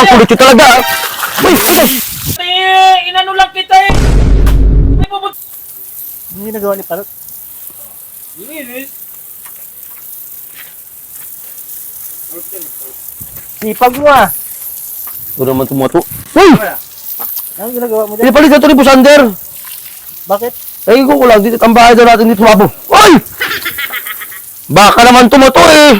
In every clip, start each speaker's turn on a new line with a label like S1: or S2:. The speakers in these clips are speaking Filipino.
S1: Ang kulit yun talaga. Uy!
S2: Inano lang kita eh. May pupunta.
S3: Hindi nagawa ni Parot. Sipag mo ah.
S1: Ito naman tumato. Uy!
S3: Ano ginagawa mo dyan?
S1: Pinapalit na ito ni Busander.
S3: Bakit?
S1: Ay, ko lang. Dito, tambahay daw natin dito mabo. Uy! Baka naman tumato eh.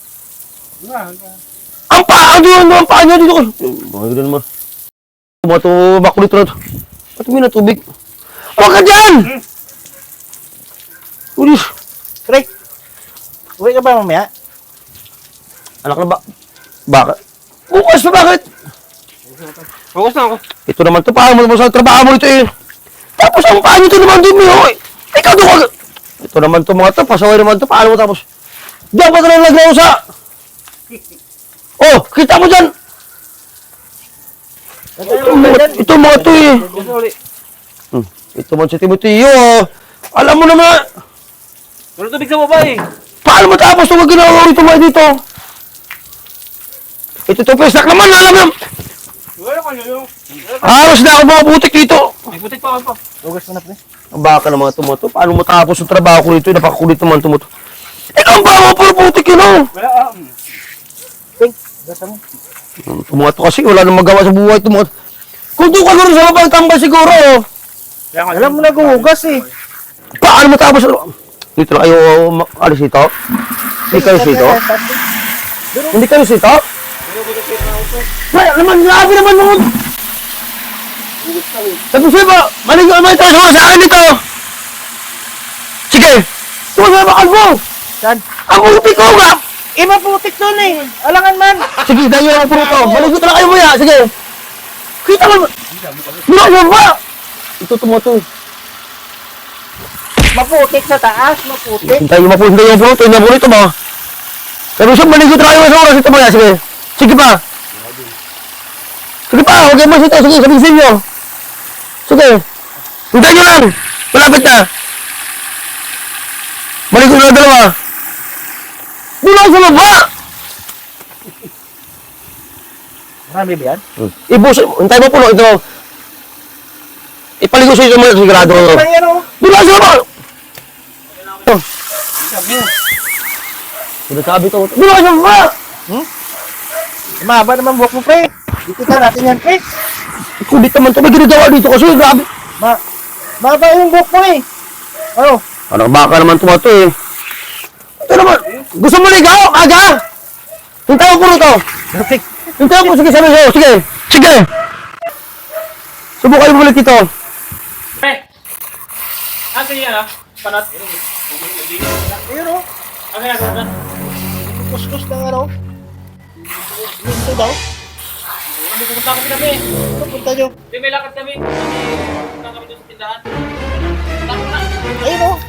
S1: Ang paa doon, ang paa niya dito. Bakit na naman? Tumato, makulit na ito. Ba't may na tubig? Huwag ka dyan! Uy!
S3: Pre, uwi ka ba mamaya?
S1: Anak na ba? Baka? Bukas na bakit?
S2: Focus na ako.
S1: Ito naman to, paano mo naman sa trabaho mo ito eh. Tapos ang paano ito naman din mo eh. Ikaw doon ka. Ito naman to mga to, pasaway naman to, paano mo tapos? Diyan pa talagang naglaw sa... Oh, kita mo dyan. Ito mga to eh. Ito man si Timoteo oh. Alam mo naman.
S2: Wala tubig sa baba eh.
S1: Paano mo tapos ito wag ginagawa rito mga dito? Ito to pesnak naman, alam mo.
S2: Wala ka nyo.
S1: Aros na ako mga butik dito.
S2: May putik pa ako pa.
S3: Ugas mo na pre.
S1: Ang baka ng mga tumoto. Paano mo tapos yung trabaho ko rito? Napakakulit naman tumoto. Ikaw ang bawa puro putik yun oh.
S2: Wala
S3: Pink, gasa mo.
S1: Tumoto kasi wala nang magawa sa buhay tumoto. Kung doon ka gano'n sa mabang tambay siguro oh.
S3: Alam mo na guhugas eh.
S1: Paano mo tapos? Dito lang kayo alis dito? Hindi kayo dito? Hindi kayo dito? Wala naman, grabe naman mo. Tapos ba, maligo naman ito sa akin dito. Sige, tuwa na bakal mo.
S3: Saan?
S1: Ang uti ko nga.
S3: Maputik doon eh. Alangan man.
S1: Sige, dahil yung puro to. Maligo na kayo mo ya, sige. Kita mo. Mula mo ba? Ito tumoto.
S3: Maputik sa taas, maputik.
S1: Hintay yung mapunta yung puro to. Yung puro ito ba? Pero siya, maligo na kayo sa oras ito mo ya, sige. Sige pa. Sige pa, huwag kayo mas ito. Sige, sabihin nyo. Sige. Hintay nyo lang. Malapit na. Maligo na dalawa. Bulang sa baba!
S3: Marami ba yan?
S1: Ibus, hintay mo puno ito. Ipaligo sa ito mo sigurado.
S3: Ay, ano?
S1: Bulang sa baba! Sinasabi ko, bulang sa baba!
S3: Mahaba naman buhok mo pre. Dito natin yan pre.
S1: Kulit naman ito, may ginagawa dito kasi grabe.
S3: Mahaba yung buhok mo eh. Ano?
S1: Parang baka naman tumato eh. Ito naman, gusto mo ligaw? Aga! Hintay mo puno to.
S3: Perfect.
S1: Hintay mo, sige sabi sa'yo, sige. Sige! Subukan mo ulit ito.
S2: Pre. Sige yan ah. Panat.
S3: Ayun o.
S2: Okay, okay.
S3: Kuskus ng ano. Ito daw.
S2: Pupunta kami.
S3: Punta nyo.
S2: May lakad kami. Pupunta kami doon sa tindahan. Takot na.
S3: Ayun o.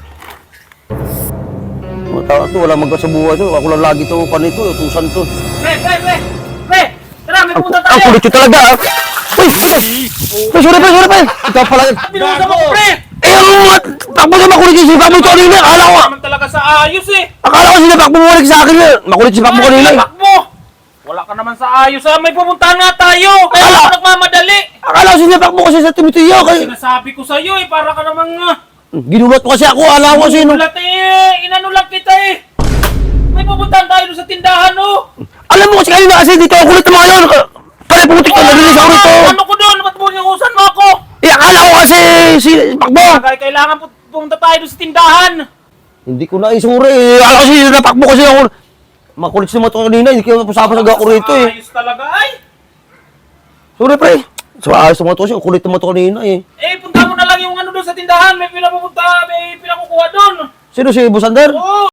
S1: Mga tao ito, wala magkasabuhay ito. Ako lang lagi ito, panito, utusan ito.
S2: Pre! Tara, may pupunta tayo!
S1: Ang kulit yun talaga ah. Uy! Sorry pa! Ikaw pala yun.
S2: Binusa mo, pre!
S1: Eh, takbo sa makulit yung sipa mo ito kanina. Akala ko,
S2: Naman talaga sa ayos eh!
S1: akala ko sinapak mo bumalik sa akin yun. Makulit sipa mo kanina eh.
S2: Tapak mo! Wala ka naman sa ayos ah! May pupuntahan nga tayo! Kaya
S1: Ala!
S2: ako nagmamadali!
S1: Akala ko sinapak mo kasi sa Timoteo.
S2: Sinasabi ko sa'yo eh, para ka namang
S1: Ginulat mo kasi ako, akala ko sino.
S2: ulat eh! Inano lang kita eh! May pupuntahan tayo doon sa tindahan oh!
S1: Alam mo kasi kanina kasi dito ang kulit ng mga yun. Pare putik na narinig ako rito.
S2: Ano ko doon? Ba't mo niusan mo ako?
S1: Eh, akala ko kasi sipak mo.
S2: Kailangan pumunta tayo doon sa tindahan!
S1: Hindi ko na isuri eh. Akala ko sinapak mo kasi ako. Makulit si mo ito kanina, hindi ko napasapasag ako rito eh.
S2: Ayos talaga ay!
S1: Sorry pre. So ayos mo ito kasi kulit mo ito kanina eh.
S2: Eh, punta mo na lang yung ano doon sa tindahan. May pila pupunta, may pila kukuha doon.
S1: Sino si Busander?
S2: Oo!